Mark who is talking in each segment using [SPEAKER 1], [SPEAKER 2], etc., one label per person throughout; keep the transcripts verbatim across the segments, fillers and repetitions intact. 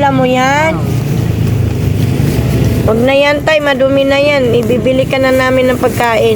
[SPEAKER 1] Inuulam mo yan? Huwag na yan, tay. Madumi na yan. Ibibili ka na namin ng pagkain.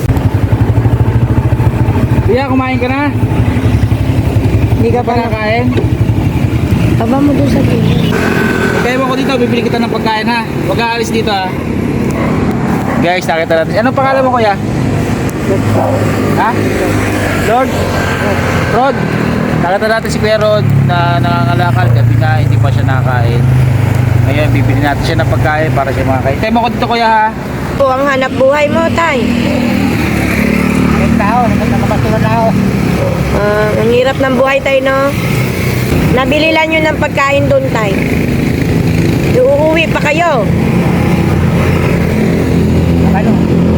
[SPEAKER 2] Kuya, kumain ka na?
[SPEAKER 1] Hindi ka
[SPEAKER 2] Pa
[SPEAKER 1] pa na...
[SPEAKER 2] nakain?
[SPEAKER 1] Aba mo doon sa gilid.
[SPEAKER 2] Kaya mo ko dito, bibili kita ng pagkain ha. Huwag ka alis dito ha. Guys, nakita natin. Anong pangalan mo kuya? Ha? Lord? Rod? Nakita natin si Kuya Rod na nangangalakal. Gabi na, hindi pa siya nakakain. Ngayon, bibili natin siya ng pagkain para siya makakain. Kaya mo ko dito kuya ha.
[SPEAKER 1] O, ang hanap buhay mo, tay.
[SPEAKER 2] Ang tao, nakapasulan na ako.
[SPEAKER 1] Ah, ang hirap ng buhay, tay, no? Nabili lang yun ng pagkain doon, tay. Uuwi pa kayo.
[SPEAKER 2] Ano?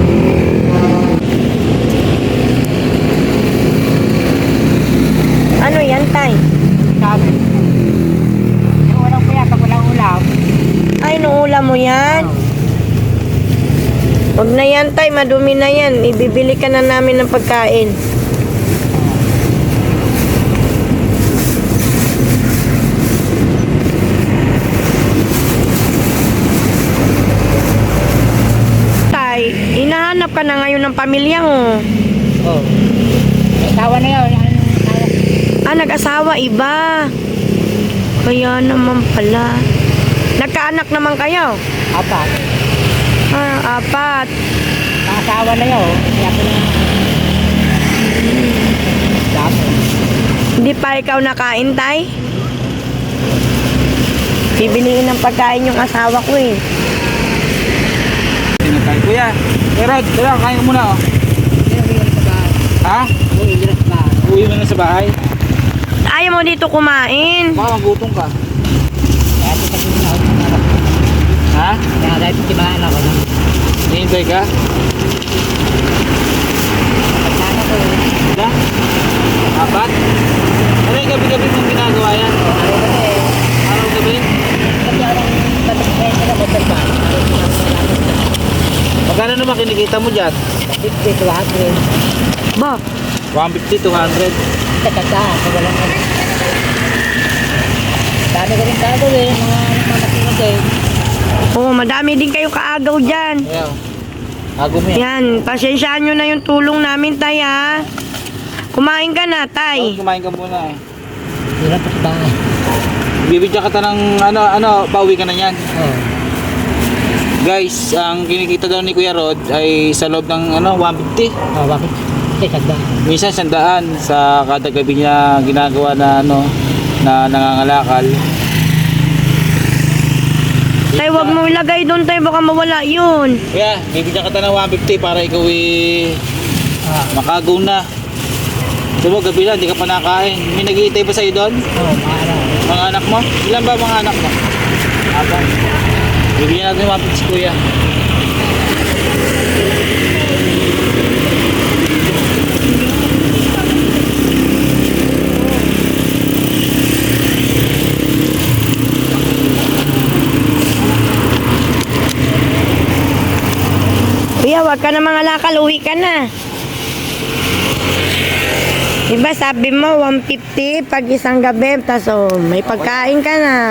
[SPEAKER 1] Ano yan, tay?
[SPEAKER 2] Sabi. Yung walang kuya, pag walang ulam.
[SPEAKER 1] Ay, inuulam mo yan? Huwag na yan, tay. Madumi na yan. Ibibili ka na namin ng pagkain. Tay, hinahanap ka na ngayon ng pamilya mo.
[SPEAKER 2] Oo. May tawa na yun.
[SPEAKER 1] Ah, nag-asawa, iba. Kaya naman pala. Nagkaanak naman kayo?
[SPEAKER 2] Apat.
[SPEAKER 1] Ah, apat.
[SPEAKER 2] Nakasawa na yun. Kaya ko na. Dami.
[SPEAKER 1] Hindi pa ikaw nakain, tay? Bibiliin ng pagkain yung asawa ko eh.
[SPEAKER 2] Pinatay. Kuya, Kuya Rod, kuya, kain ka muna oh. Ha? Uwi mo na sa bahay.
[SPEAKER 1] Ayaw mo dito kumain.
[SPEAKER 2] Baka magutom ka. Ha? Hihintay ka? Wala? Apat? Ano yung gabi-gabi mong ginagawa yan? Araw-gabi? Magkano naman kinikita mo dyan?
[SPEAKER 3] fifty to one hundred.
[SPEAKER 1] Ba,
[SPEAKER 2] one fifty, two hundred.
[SPEAKER 3] Kata, wala na. Dami ko rin gagawin, mga nagmamatinag eh.
[SPEAKER 1] oo, madami din kayo kaagaw dyan.
[SPEAKER 2] Ayan. Ago mo yan.
[SPEAKER 1] Yan, pasensyaan nyo na yung tulong namin, tay, ha? Kumain ka na,
[SPEAKER 2] Oh,
[SPEAKER 1] tay.
[SPEAKER 2] kumain ka muna eh.
[SPEAKER 3] Hirap pa sa bahay.
[SPEAKER 2] Bibigyan kita ng ano, ano, pauwi ka na yan.
[SPEAKER 3] Oo.
[SPEAKER 2] Guys, ang kinikita daw ni Kuya Rod ay sa loob ng ano, one fifty.
[SPEAKER 3] Oh, bakit? Kasi sagda.
[SPEAKER 2] Minsan sandaan sa kada gabi niya ginagawa na ano, na nangangalakal.
[SPEAKER 1] Tay, wag mo ilagay doon, tay. Baka mawala yun.
[SPEAKER 2] Kuya, bibigyan kita ng one fifty para ikaw eh,
[SPEAKER 3] Ah,
[SPEAKER 2] makagaw na. Diba, gabi lang, hindi ka pa nakain. May nag-iitay pa sa'yo doon?
[SPEAKER 3] oh, maara.
[SPEAKER 2] Mga anak mo? Ilan ba mga anak mo? Apat. Bibigyan natin ng one fifty si Kuya.
[SPEAKER 1] Kuya, wag ka na mga lakal. Uwi ka na. Diba sabi mo, one fifty pag isang gabi. Tas oh, may pagkain ka na.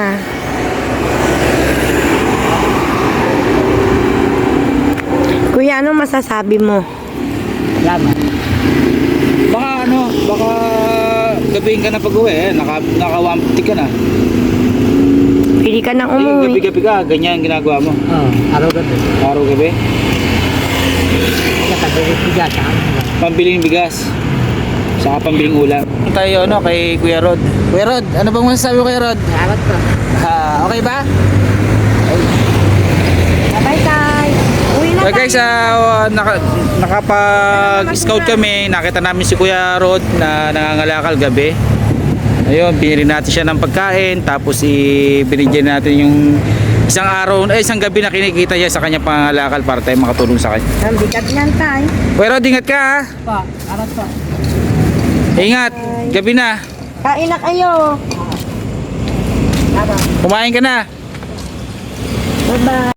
[SPEAKER 1] Kuya, anong masasabi mo?
[SPEAKER 3] Salamat.
[SPEAKER 2] Baka ano, baka gabihin ka na pag-uwi eh. Naka, naka one fifty ka na.
[SPEAKER 1] Pili ka nang
[SPEAKER 2] Ay,
[SPEAKER 1] umuwi.
[SPEAKER 2] gabi-gabi ka, ganyan ang ginagawa mo.
[SPEAKER 3] Oh, araw-gabi.
[SPEAKER 2] Araw-gabi.
[SPEAKER 3] Nakabalik ko dyan.
[SPEAKER 2] Pambiling bigas. Saka pambiling ulam. Tayo ano kay Kuya Rod. Kuya Rod, ano bang masasabi mo Kuya Rod?
[SPEAKER 3] Salamat po.
[SPEAKER 2] Ah, okay ba?
[SPEAKER 1] Bye, tay. Uwi na
[SPEAKER 2] Okay
[SPEAKER 1] tayo.
[SPEAKER 2] guys, uh, naka, nakapag-scout kami. Nakita namin si Kuya Rod na nangangalakal gabi. Ayun, binili natin siya ng pagkain. Tapos i binigyan natin yung isang araw, eh isang gabi na kinikita niya sa kanya pangangalakal para tayo makatulong sa kanya.
[SPEAKER 1] Ang bigat niyan, tay.
[SPEAKER 2] Kuya Rod, ingat ka ha.
[SPEAKER 3] Pa, salamat po.
[SPEAKER 2] Ingat, gabi na.
[SPEAKER 1] Kain na kayo.
[SPEAKER 3] Salamat.
[SPEAKER 2] Kumain ka na.
[SPEAKER 1] Bye-bye.